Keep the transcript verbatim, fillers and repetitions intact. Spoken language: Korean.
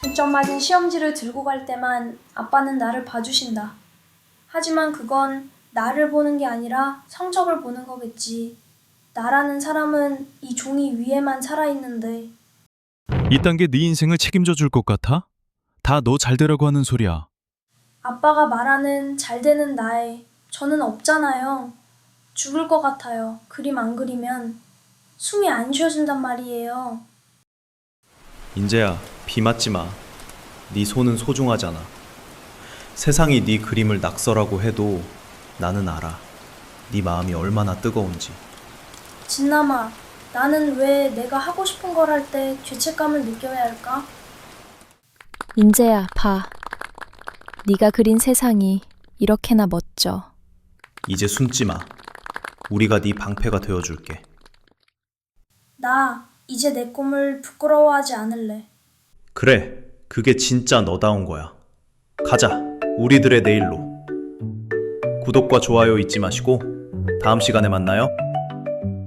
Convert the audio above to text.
백 점 맞은 시험지를 들고 갈 때만 아빠는 나를 봐주신다. 하지만 그건 나를 보는 게 아니라 성적을 보는 거겠지. 나라는 사람은 이 종이 위에만 살아있는데. 이딴 게 네 인생을 책임져 줄 것 같아? 다 너 잘 되라고 하는 소리야. 아빠가 말하는 잘 되는 나에 저는 없잖아요. 죽을 것 같아요. 그림 안 그리면. 숨이 안 쉬어진단 말이에요. 인재야, 비 맞지 마. 네 손은 소중하잖아. 세상이 네 그림을 낙서라고 해도 나는 알아. 네 마음이 얼마나 뜨거운지. 진남아, 나는 왜 내가 하고 싶은 걸 할 때 죄책감을 느껴야 할까? 인재야, 봐. 네가 그린 세상이 이렇게나 멋져. 이제 숨지 마. 우리가 네 방패가 되어줄게. 나 이제 내 꿈을 부끄러워하지 않을래. 그래, 그게 진짜 너다운 거야. 가자, 우리들의 내일로. 구독과 좋아요 잊지 마시고 다음 시간에 만나요.